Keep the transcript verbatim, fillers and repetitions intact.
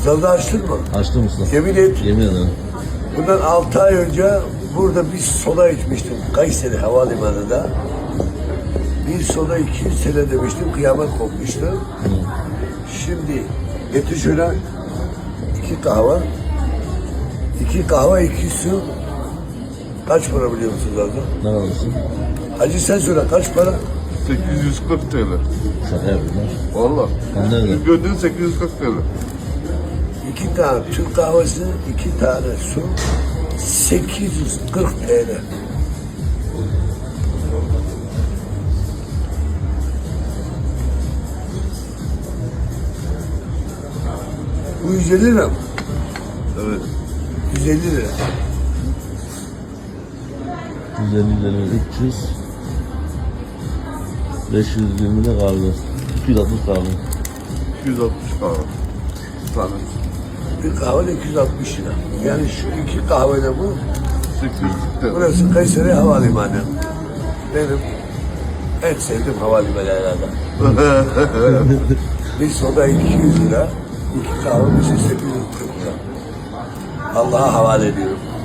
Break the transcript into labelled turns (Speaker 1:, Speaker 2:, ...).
Speaker 1: Manzarada açtın mı?
Speaker 2: Açtım usta.
Speaker 1: Yemin et.
Speaker 2: Yemin ederim.
Speaker 1: Bundan altı ay önce burada bir soda içmiştim. Kayseri Havalimanı'nda. Bir soda iki yüz sene demiştim. Kıyamet kopmuştu.
Speaker 2: Hı.
Speaker 1: Şimdi getir şöyle iki kahve. iki kahve, iki su. Kaç para biliyor musunuz abi?
Speaker 2: Ne kalırsın?
Speaker 1: Hacı sen söyle kaç para?
Speaker 3: sekiz yüz kırk TL.
Speaker 2: Şaka yapıyorlar.
Speaker 3: Valla.
Speaker 2: Ben nerede?
Speaker 3: Biz gördüğün sekiz yüz kırk TL.
Speaker 1: İki tane Türk kahvesi, iki tane su. sekiz yüz kırk TL. Bu yüz elli lira mı?
Speaker 3: Evet.
Speaker 1: yüz elli lira.
Speaker 2: yüz elli lira, üç yüz. beş yüz yirmi de kahve. iki yüz altmış kahve.
Speaker 3: iki yüz altmış kahve. Tane.
Speaker 1: Bir kahve iki yüz altmış lira. Yani şu iki kahvede bu.
Speaker 3: sekiz yüz kırk TL.
Speaker 1: Burası Kayseri Havalimanı. Benim en sevdiğim havalimanı herhalde. Bir soda iki yüz lira, iki kahve bir şey sekiz yüz kırk lira. Allah'a havale ediyorum.